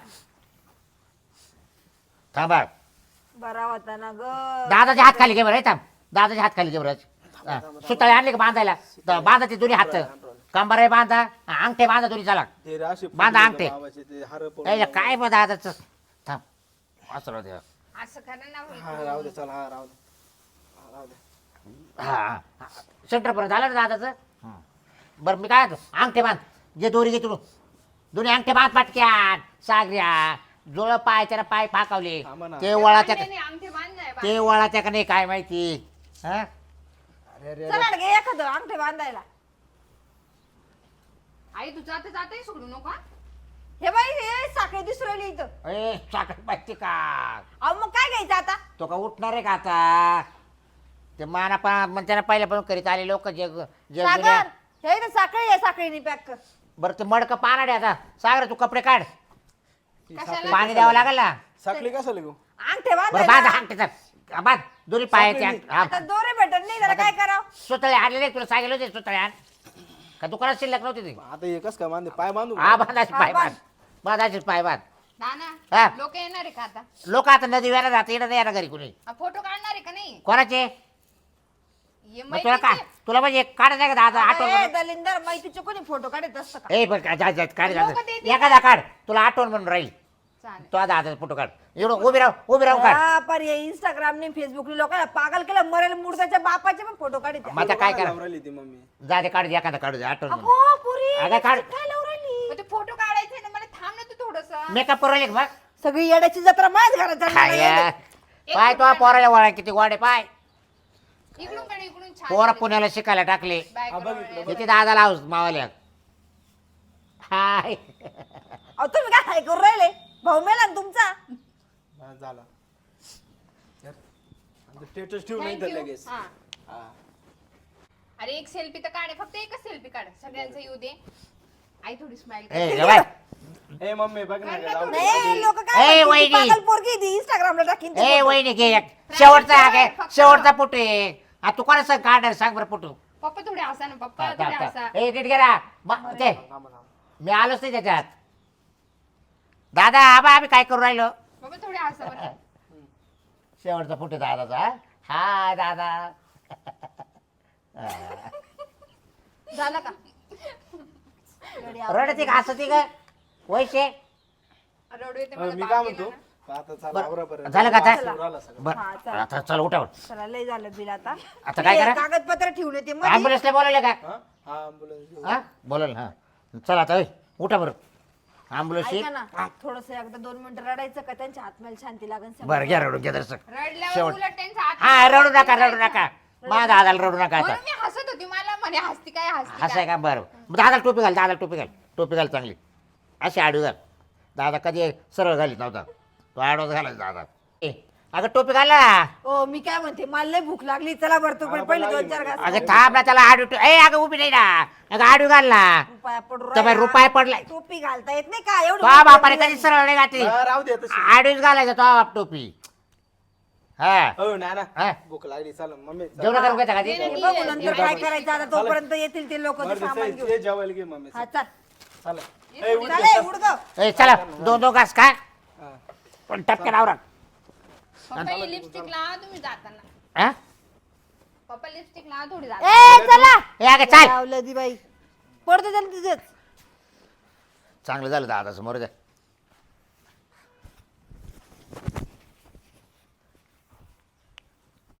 Speaker 1: थांबा
Speaker 3: बरा होता ना ग
Speaker 1: दादाचे हात खाली घे बरं हे थांब दादाचे हात खाली घे बरं हा, सुताळे आणले का बांधायला तर बांधा ते दोन्ही हात कंबर आहे बांधा हा, अंगठे बांधा दोन्ही चला
Speaker 4: ते असे
Speaker 1: बांधा
Speaker 4: फुटलेले
Speaker 1: अंगठे.
Speaker 4: बाबाचे ते हार पडून
Speaker 1: यायला काय बघ दादाचं थांब असं राहू दे
Speaker 5: असं करा ना होईल.
Speaker 4: हा राहू दे चल हा राहू दे हा, राहू दे.
Speaker 1: हा हा सेंटर पर्यंत झालं ना दादाचं हं. बरं मी काय म्हणतो, अंगठे बांध जे दोरी घे तुला दोन्ही अंगठे बांध पाटक्यान सागऱ्या जोळ पाय त्याला पाय फाकावले
Speaker 4: थांबा ना.
Speaker 1: ते वळाच्या
Speaker 5: नाही, नाही, अंगठी बांध नाही बांध.
Speaker 1: ते वळाच्या का नाही काय माहिती हा
Speaker 4: अरे अरे
Speaker 3: चला ना घे एखादं अंगठे बांधायला
Speaker 5: आई तू जाते जाते सोडू नको हा.
Speaker 3: हे बाई हे साखळी दिसू राहिली इथं
Speaker 1: ए साखर माहिती का
Speaker 3: अहो मग काय घ्यायचं आता
Speaker 1: तो का उठणार आहे का आता ते माना पा म्हणजे त्याला पहिल्यापासून करीत आले लोक जग जग
Speaker 3: सागर हे इथं साखळी आहे साखळीने पॅक कर
Speaker 1: बरं ते मडकं पानाडे आता सागर तू कपडे काढ
Speaker 5: कशाला
Speaker 1: पाणी द्यावं लागेल ना
Speaker 4: साखळी कसं लिहू?
Speaker 3: अंगठे
Speaker 1: बरं बांध
Speaker 3: बांधायला
Speaker 1: अंगठीचा बांध दोन्ही पायाचे
Speaker 3: आता दोरे भेटत नाही त्याला काय करावं
Speaker 1: सुतळे आणले नाही तुला सांगितलं होते सुतळे आण का दुकानात शिल्लक नव्हती ती
Speaker 4: आता हे कसं काय बांधे पाय बांधू का?
Speaker 1: हा बांधायचे
Speaker 3: हा,
Speaker 1: पाय
Speaker 3: बांध.
Speaker 1: बांध बांधायचे पाय बांध हा.
Speaker 5: नाना लोक येणार आहे का आता
Speaker 1: लोक आता नदी व्याला जाते येणं नाही येणार घरी कुणी
Speaker 5: हा, फोटो काढणार आहे का नाही
Speaker 1: कोणाचे
Speaker 5: ये
Speaker 1: मग तुला काय
Speaker 5: मैत्रिणीचे.
Speaker 1: तुला म्हणजे काढायचं आहे का दादा
Speaker 3: ए,
Speaker 1: आठवण
Speaker 3: दलिंदर माहितीचे कोणी फोटो काढत असतं का
Speaker 1: ए पण काय जा- जा- काढ
Speaker 5: लोकं
Speaker 1: जा.
Speaker 5: देतील
Speaker 1: एखादा काढ तुला आठवण म्हणून राहील
Speaker 5: चालेल
Speaker 1: तो दादा फोटो काढ एवढं उभी राहू उभी राहू काढ
Speaker 3: हा, पर हे इंस्टाग्रामने फेसबुकने लोकांना पागल केलं मरेल मुर्दाच्या बापाचे पण फोटो काढत
Speaker 1: मग आता काय करा
Speaker 4: लावून राहिली ती मम्मी.
Speaker 1: जा दे काढ दे एखादा काढू दे आठवण म्हणून
Speaker 3: अगो पुरी
Speaker 1: अगं काढ
Speaker 3: काय लावून राहिली
Speaker 5: मग ते फोटो काढायचे ना मला थांब ना तू थोडस
Speaker 1: मेकअप करू राहिले का बघ
Speaker 3: सगळी येड्याची जत्रा माझ्या घरात चालली
Speaker 1: काय
Speaker 3: आहे.
Speaker 1: या? पाय तो पोराला वळा किती गोडे पाय
Speaker 5: इकडून कडे इकडून छान
Speaker 1: पोरा पुण्याला शिकायला टाकले
Speaker 5: बायको
Speaker 4: बघ
Speaker 5: डोळे.
Speaker 1: किती दादा लावस मावाल्या हाय
Speaker 3: अहो तुम्ही काय हाय करू राहिले भाऊ मेला ना तुमचा
Speaker 4: हा, झाला स्टेटस ठेवू नाही तर
Speaker 5: Thank you.
Speaker 4: लगेच
Speaker 5: हा.
Speaker 4: हा.
Speaker 5: अरे एक सेल्फी तर काढ फक्त एकच सेल्फी काढ सगळ्यांचं येऊ दे आई थोडी स्माइल
Speaker 1: ए जवाय
Speaker 4: ए मम्मी बघ ना
Speaker 5: कर ना
Speaker 4: जाऊ
Speaker 5: तू.
Speaker 4: दे.
Speaker 3: नाही लोक
Speaker 1: ए,
Speaker 3: काय म्हणतील,
Speaker 1: वहिनी.
Speaker 3: ती पागल पोरगी ती इंस्टाग्रामला टाकीन ती
Speaker 1: ए
Speaker 3: photo.
Speaker 1: वहिनी घे एक शेवटचा हा घे शेवटचा फोटो आहे हा तू कोणा सांग काढ सांग बरं फोटो
Speaker 5: पप्पा थोडे हसा ना पप्पा थोडे हसा
Speaker 1: ए नीट गेला ते
Speaker 4: थांबा, थांबा.
Speaker 1: मी आलोच नाही त्याच्यात दादा आबा आम्ही काय करू राहिलो
Speaker 5: पप्पा थोडे हसा बरं
Speaker 1: शेवटचा फोटो दादाचा हा दादा
Speaker 3: झालं का येडी आवड.
Speaker 1: रडते का हसते का वैशे
Speaker 5: रडू येते
Speaker 4: अ,
Speaker 5: मला
Speaker 4: मी
Speaker 5: बाप
Speaker 4: काय
Speaker 5: गेला
Speaker 4: म्हणतो
Speaker 5: ना.
Speaker 4: आता चला आवरापर्यंत.
Speaker 1: झालं का आता?
Speaker 4: वास येऊ राहिला सगळं.
Speaker 1: बर
Speaker 3: हा, चला.
Speaker 1: आता चल उठावर
Speaker 3: चला लय झालं बिल आता
Speaker 1: आता काय
Speaker 3: ते
Speaker 1: करा?
Speaker 3: कागदपत्र ठेवून येते मध्ये.
Speaker 1: ॲम्ब्युलन्सला बोलवलं का
Speaker 4: हा हा ambulance घेऊ.
Speaker 1: हा बोलल हा चला आता ओय, उठा बरं ॲम्ब्युलन्स
Speaker 3: ऐका ना थोडस एकदा दोन मिनिटं रडायचं का त्यांच्या हातम्याला शांती लागेल
Speaker 1: बरं घ्या रडून घ्या दर्शक
Speaker 5: रडल्यावर
Speaker 1: शेवट.
Speaker 5: उलट त्यांचा हात
Speaker 1: हा रडू नका रडू नका मा दादाला रडू नका आता
Speaker 5: म्हणून मी हसत होती मला म्हणे हसती काय हसती
Speaker 1: असं आहे
Speaker 5: काय
Speaker 1: का बरं मग दादाला टोपी घाल दादाला टोपी घाल टोपी घाल चांगली अशी आडवी घाल दादा कधी सरळ घालीत नव्हता तो आडवाच घालायचा दादा ए अगं टोपी घाल ना
Speaker 3: ओ मी काय म्हणते मला लय भूक लागली चला बरं तू पण पहिले दोन चार घास
Speaker 1: अगं थांब ना त्याला आडवी ए अगं उभी नाही ना अगं आडवी घाल ना
Speaker 3: रुपया पडू
Speaker 1: तर बाई
Speaker 3: राहिला.
Speaker 1: रुपये पडलाय
Speaker 3: टोपी घालता येत नाही का एवढं
Speaker 1: तो
Speaker 3: भूक
Speaker 1: बापाने
Speaker 3: लागली.
Speaker 1: कधी सरळ नाही घातली
Speaker 4: हा, राहू दे तशी.
Speaker 1: आडवीच घालायचा तो बाप टोपी हा
Speaker 4: हो नाना
Speaker 1: हा.
Speaker 4: भूक लागली चल मम्मी चल.
Speaker 1: जेवण करून घेता का
Speaker 5: नाही,
Speaker 1: ती?
Speaker 5: नाही,
Speaker 3: बघू नंतर काय करायचं आता तोपर्यंत येतील ते लोक
Speaker 4: बरं,
Speaker 3: सामान
Speaker 4: ते-
Speaker 3: घेऊन
Speaker 4: ते जेवायला घे मम्मी
Speaker 3: हा चल
Speaker 4: चला ए, उठ
Speaker 3: चल
Speaker 4: रे,
Speaker 3: ए,
Speaker 4: चल.
Speaker 3: उडगं.
Speaker 1: ए चला दोन दोन घास खा
Speaker 4: हा.
Speaker 1: पण टपक्यात आवरा
Speaker 5: पप्पा ही लिपस्टिक लावा तुम्ही जाताना
Speaker 1: हा
Speaker 5: पप्पा लिपस्टिक लावा थोडी जाताना
Speaker 3: ए चला
Speaker 1: ए अगं चाल
Speaker 3: लावलं दी बाई पडतो त्याला तिथेच
Speaker 1: चांगलं झालं दादा समोर द्या